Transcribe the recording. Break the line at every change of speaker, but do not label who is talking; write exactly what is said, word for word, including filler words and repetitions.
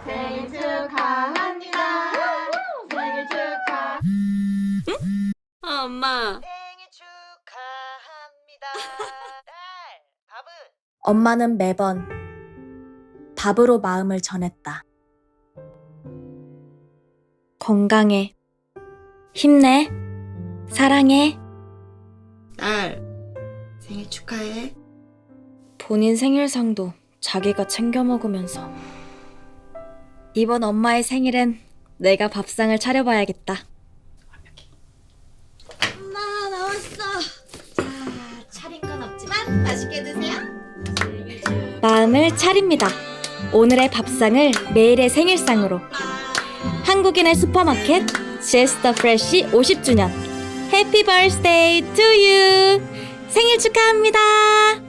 생일 축하합니다. 생일 축하.
아, 엄마.
생일 축하합니다. 딸, 밥은?
엄마는 매번 밥으로 마음을 전했다. 건강해. 힘내. 사랑해.
딸, 생일 축하해.
본인 생일상도 자기가 챙겨 먹으면서. 이번 엄마의 생일엔 내가 밥상을 차려봐야겠다.
엄마, 나왔어. 자, 차린 건 없지만 맛있게 드세요.
마음을 차립니다. 오늘의 밥상을 매일의 생일상으로. 한국인의 슈퍼마켓 제스터 프레쉬 오십 주년 해피 버스데이 투 유. 생일 축하합니다.